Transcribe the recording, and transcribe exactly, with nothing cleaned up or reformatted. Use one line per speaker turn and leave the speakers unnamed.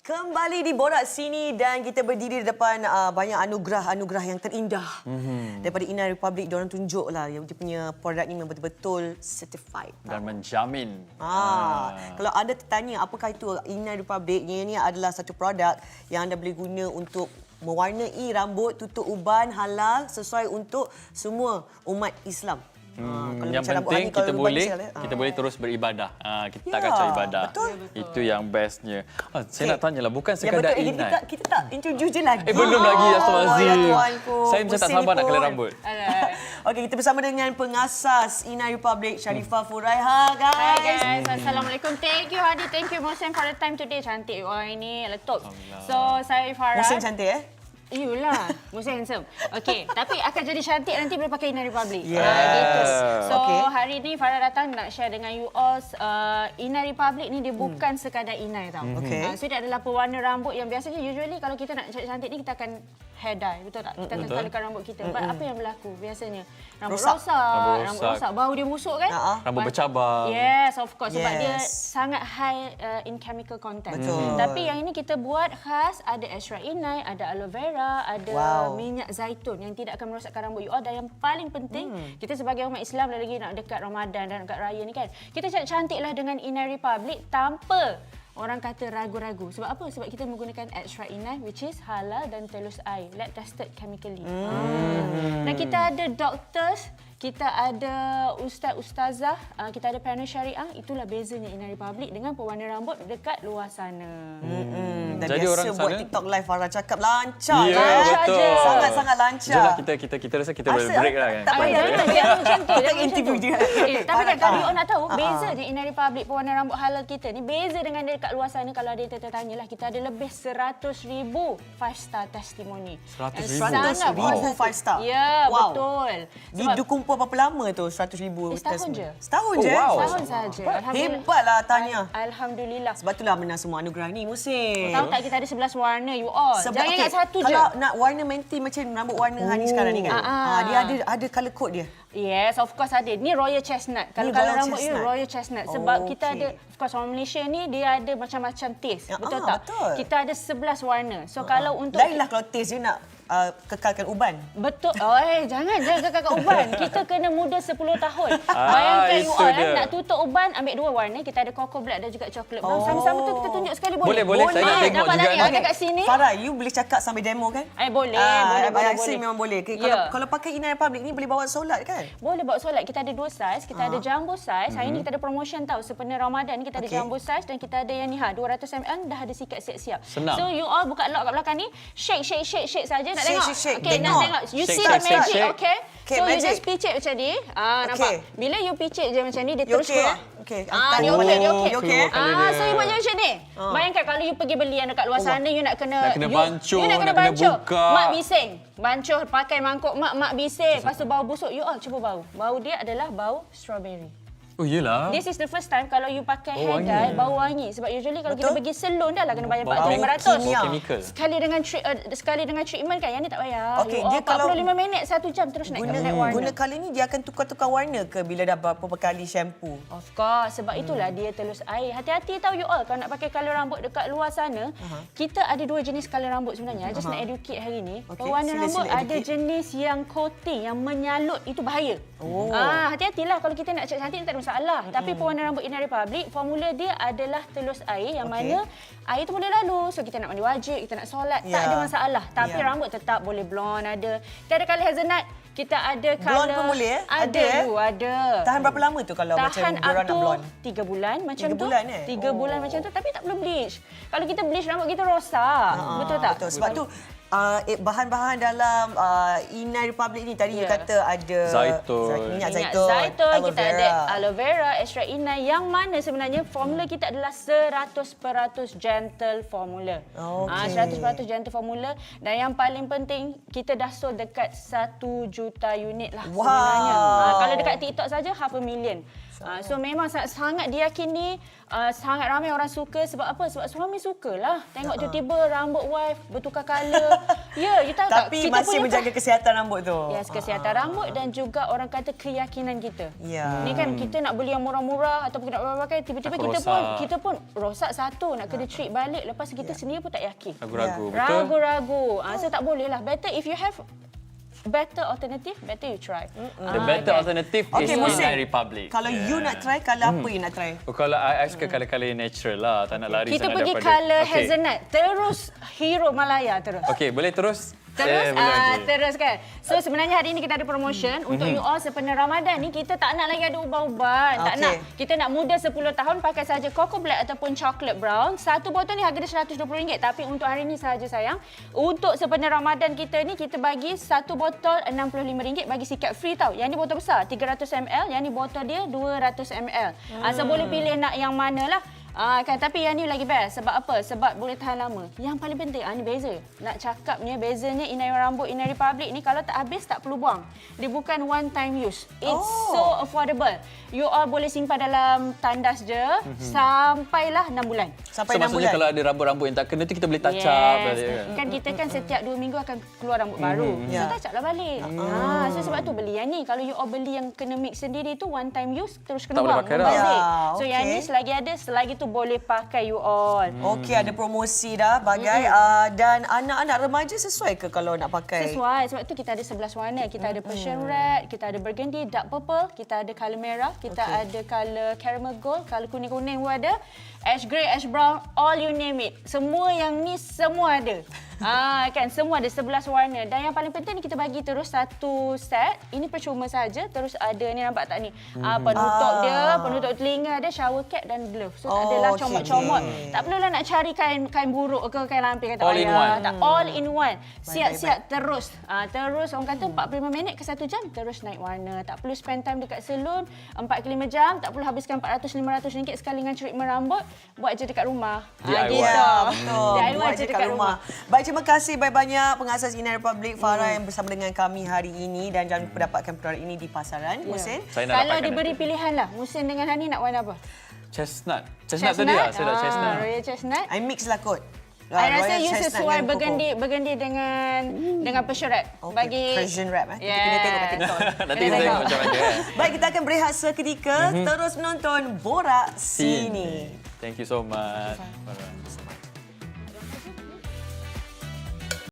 Kembali di Borak Sini dan kita berdiri di depan uh, banyak anugerah-anugerah yang terindah mm-hmm. daripada Inai Republic. Diorang tunjuklah yang dia punya produk ni memang betul-betul certified
dan menjamin.
Ah, ah. Kalau anda tertanya apakah itu Inai Republic, ini adalah satu produk yang anda boleh guna untuk mewarnai rambut, tutup uban halal sesuai untuk semua umat Islam.
Hmm, yang penting kita boleh misalnya, kita boleh terus beribadah. Ha, kita ya, tak kacau ibadah. Betul. Itu yang bestnya. Ha, saya okay. nak tanyalah, bukan sekadar ya,
Inai. Kita, kita tak introduce je lagi.
Eh belum lagi, Astaghfirullahalazim.
Oh,
saya macam tak sabar nak colour rambut.
Okey, kita bersama dengan pengasas Inai Republic, Sharifah Furaiha, guys.
Hi guys. Assalamualaikum. Thank you Hadi, thank you Mohsen for the time today. Cantik wah ini letup. So saya Farah.
Mohsen cantik eh?
Iyalah, Mohsen handsome. Okey, tapi akan jadi cantik nanti bila pakai Inai Republic.
Yes.
Uh, gitu. So
okay.
hari ni Farah datang nak share dengan you all uh, Inai Republic ni dia bukan hmm. sekadar Inai tau.
Okay.
Uh, so dia adalah pewarna rambut yang biasanya usually kalau kita nak cantik-cantik ni kita akan hair dye, betul tak? Kita akan colourkan rambut kita. Mm -hmm. Apa yang berlaku biasanya? Rambut rosak, rosak, rambut, rambut rosak, bau dia busuk kan?
Uh -huh.
Rambut bercabang.
Yes, of course. Sebab
yes.
dia sangat high uh, in chemical content.
Betul.
Tapi yang ini kita buat khas, ada extra inai, ada aloe vera, ada wow. minyak zaitun yang tidak akan merosakkan rambut you all. Dan yang paling penting, hmm. kita sebagai umat Islam lagi nak dekat Ramadan dan dekat raya ni kan, kita cantiklah dengan Inai Republic tanpa orang kata ragu-ragu. Sebab apa? Sebab kita menggunakan extra inai which is halal dan telus air, lab tested chemically. Hmm. Dan kita ada doctors, kita ada ustaz-ustazah, kita ada panel syariah. Itulah bezanya Inai Republic dengan pewarna rambut dekat luar sana.
Hmm. Dan
jadi
biasa
orang
buat
sana,
TikTok live Farah cakap lancar.
Ya,
kan?
betul.
Sangat-sangat lancar.
Jangan kita kita kita rasa kita boleh break lah kan.
Tak payah jangan jangan macam tu. Jangan
interview dia.
Eh, tapi kan kalau you nak tahu bezanya Inai Republic pewarna rambut halal kita ni beza dengan dia dekat luar sana. Kalau ada yang tertanya lah, kita ada lebih seratus ribu five star testimoni.
seratus ribu five star.
Ya,
wow.
betul.
Dia kumpul berapa lama tu seratus ribu?
Eh, setahun je.
Setahun
oh,
je?
Wow.
Setahun saja.
Hebatlah Tanya.
Alhamdulillah.
Sebab itulah menang semua anugerah ni, Mohsen.
Tahu tak kita ada sebelas warna you all.
Sebab,
jangan
okay,
ingat satu
kalau
je.
Kalau nak warna menti macam rambut warna oh. Hani sekarang ni kan.
Ah,
ah. Dia ada ada colour code dia.
Yes, of course ada. Ni Royal Chestnut. Kalau kalau rambut you Royal Chestnut sebab oh, kita okay. ada of course orang Malaysia ni dia ada macam-macam taste. Ya, betul ah, tak? Betul. Kita ada sebelas warna. So ah, kalau untuk
lainlah kalau taste dia nak Uh, kekalkan uban.
Betul. Oh, eh, jangan jangan kekalkan uban. Kita kena muda sepuluh tahun. Ah, Bayangkan you all eh, nak tutup uban ambil dua warna. Kita ada cocoa black dan juga chocolate brown. Oh. Sama-sama tu kita tunjuk sekali boleh.
Boleh, boleh. Saya nak tengok
nampak
juga.
Nampak kat sini.
Farah, you boleh cakap sambil demo kan?
Eh, boleh.
Ah,
boleh, boleh,
boleh.
boleh.
memang boleh.
Yeah.
Kalau kalau pakai Inai Republic ni boleh bawa solat kan?
Boleh bawa solat. Kita ada dua saiz. Kita ah. ada jumbo saiz. Hari
mm-hmm.
ni kita ada promotion tau. Sepenuh Ramadan ni kita ada okay. jumbo saiz dan kita ada yang ni ha dua ratus mililiter dah ada sikat siap-siap.
Senang.
So you all buka lock kat belakang ni, shake shake shake shake saja nak
shake,
tengok.
Shake, shake.
Okay,
tengok.
nak tengok. You
shake,
see
shake,
the magic,
shake, shake.
okay?
Okay,
so
magic.
you just picit macam ni. Ah, nampak?
Okay.
Bila you picit je macam ni, dia
you
terus
okay,
keluar.
Okay.
Ah, dia okey, dia okey.
You okay?
Ah, so you buat macam ni. Oh. Bayangkan kalau you pergi beli yang dekat luar sana, you nak kena
nak kena bancuh,
you, you nak kena,
nak kena
bancuh.
buka.
Mak bising. Bancuh pakai mangkuk mak, mak bising. Lepas tu bau busuk. You all cuba bau. Bau dia adalah bau strawberry.
Oh iyalah.
This is the first time kalau you pakai
oh,
hair dye bau wangi sebab usually kalau
betul?
kita pergi salon dah lah kena bayar empat
Bau
ratus lima ratus.
chemical.
Sekali dengan tri- uh, sekali dengan treatment kan yang ni tak payah.
Okey,
oh,
dia kalau
empat puluh lima minit satu jam terus naik
guna,
naik warna.
Guna kali ni dia akan tukar-tukar warna ke bila dah berapa kali shampoo?
Of course, sebab hmm. itulah dia telus air. Hati-hati tahu you all kalau nak pakai colour rambut dekat luar sana, uh-huh. kita ada dua jenis colour rambut sebenarnya. I just uh-huh. nak educate hari ni. Okay. Pewarna rambut sila ada jenis yang coating, yang menyalut, itu bahaya. Oh. Ah, hati-hatilah kalau kita nak cantik tak ada masalah. Hmm. Tapi pewarna rambut Inai Republic, formula dia adalah telus air yang okay. mana air tu boleh lalu. So kita nak mandi wajib, kita nak solat, yeah. tak ada masalah. Tapi yeah. rambut tetap boleh blonde ada. Kita ada colour hazelnut, kita ada colour
blonde pun boleh eh?
Ada, ada. You, ada.
Tahan berapa lama tu kalau
Tahan
macam diorang nak blonde?
tiga bulan macam
tiga
tu.
Bulan, eh?
Tiga
oh.
bulan macam tu tapi tak perlu bleach. Kalau kita bleach rambut kita rosak.
Ha,
betul tak?
Betul. Sebab tu Uh, eh, bahan-bahan dalam uh, Inai Republic ni tadi yeah. you kata ada
zaitun,
minyak
minyak
zaitun,
zaitun
aloe
kita
vera.
ada aloe vera, extra inai yang mana sebenarnya formula kita adalah seratus peratus gentle formula.
Okay.
Ah, seratus peratus gentle formula dan yang paling penting kita dah sold dekat satu juta unit lah
wow.
sebenarnya. Ah, kalau dekat TikTok saja half a million. Uh, so memang sangat, sangat diyakini, uh, sangat ramai orang suka. Sebab apa? Sebab suami sukalah tengok tiba-tiba rambut wife bertukar colour. Ya, you tahu tak?
Tapi masih menjaga kesihatan rambut tu.
Yes, kesihatan uh-huh. rambut dan juga orang kata keyakinan kita.
Yeah.
Ni kan kita nak beli yang murah-murah ataupun nak pakai tiba-tiba
Aku
kita
rosak.
pun kita pun rosak satu, nak kena treat balik, lepas kita yeah. sendiri pun tak yakin.
Ragu-ragu,
yeah.
betul?
Ragu-ragu. Ah, so tak boleh lah. Better if you have better alternative, better you try.
Mm-hmm. The better okay. alternative
okay,
is Inai Republic.
Kalau yeah. you nak try, kalau apa mm. you nak try?
Oh, kalau I, I suka mm. colour-colour natural lah. Tak nak lari
Kita
sangat
pergi
daripada.
colour
okay.
hazelnut. Terus Hero Malaya terus.
Okey, boleh terus?
Terus,
eh, boleh
uh,
lagi.
terus kan. So sebenarnya hari ini kita ada promotion mm-hmm. untuk you all sempena Ramadan ni, kita tak nak lagi ada ubat-ubat. Okay. Tak nak. Kita nak muda sepuluh tahun pakai saja Cocoa Black ataupun Chocolate Brown. Satu botol ni harga dia seratus dua puluh ringgit. Tapi untuk hari ini sahaja sayang. Untuk sempena Ramadan kita ni, kita bagi satu botol enam puluh lima ringgit, bagi sikat free tau. Yang ni botol besar tiga ratus mililiter. Yang ni botol dia dua ratus mililiter. Hmm. Uh, so boleh pilih nak yang mana lah. Ah, kan, tapi yang ni lagi best. Sebab apa? Sebab boleh tahan lama. Yang paling penting, ah, ni beza. Nak cakapnya bezanya Inai Rambut, Inai Republic ni kalau tak habis tak perlu buang. Dia bukan one time use. It's oh. so affordable. You all boleh simpan dalam tandas je mm-hmm. sampailah enam bulan.
Sampai
so,
enam
maksudnya
bulan.
kalau ada rambut-rambut yang tak kena tu kita boleh touch
yes.
up balik
kan. Kan kita kan setiap dua minggu akan keluar rambut mm-hmm. baru. So
yeah.
touch up lah balik.
Mm-hmm.
Ah, so sebab tu beli yang ni. Kalau you all beli yang kena mix sendiri tu one time use, terus kena
tak
buang.
Boleh pakai dah.
Yeah,
okay.
so yang ni selagi ada, selagi tu boleh pakai you all.
Okey, ada promosi dah bagai mm-hmm. uh, dan anak-anak remaja sesuai ke kalau nak pakai?
Sesuai. Sebab tu kita ada sebelas warna. Kita ada Persian Red, kita ada Burgundy, Dark Purple, kita ada colour merah, kita okay. ada colour caramel gold, colour kuning-kuning pun ada, ash grey, ash brown, all you name it. Semua yang ni semua ada. Ah, kan semua ada sebelas warna. Dan yang paling penting ni kita bagi terus satu set. Ini percuma saja. Terus ada ni, nampak tak ni? Mm-hmm. Ah, penutup ah. dia, penutup telinga ada, shower cap dan glove. So oh, tak adalah okay. comot-comot. Tak perlulah nak cari kain kain buruk ke kain lampir kata
all in one.
Tak, all in one. Siap-siap terus. Ah, terus orang kata empat puluh lima minit ke satu jam terus naik warna. Tak perlu spend time dekat salon empat ke lima jam, tak perlu habiskan empat ratus lima ratus ringgit sekali dengan treatment rambut. Buat je dekat rumah.
D I Y.
Ah, gitu.
Ya, betul.
D I Y
Buat
je dekat rumah.
rumah. Baik, terima kasih banyak-banyak pengasas Inai Republic Farah hmm. yang bersama dengan kami hari ini dan jangan lupa dapatkan produk ini di pasaran.
Yeah.
Musin?
Kalau diberi nanti. Pilihan lah, Musin dengan Hani nak warna apa?
Chestnut. Chestnut, Chestnut? tadi lah, saya nak
ah,
chestnut.
Royal Chestnut.
I mix lah kot.
I rasa you sesuai burgundy burgundy dengan hmm. dengan Persian Red.
Okay.
Bagi
Persian Red eh.
Yeah.
Kita kena tengok kat TikTok.
Nanti kita tengok macam mana.
Baik, kita akan berehat seketika. Mm-hmm. Terus menonton Borak Sini.
Thank you so much.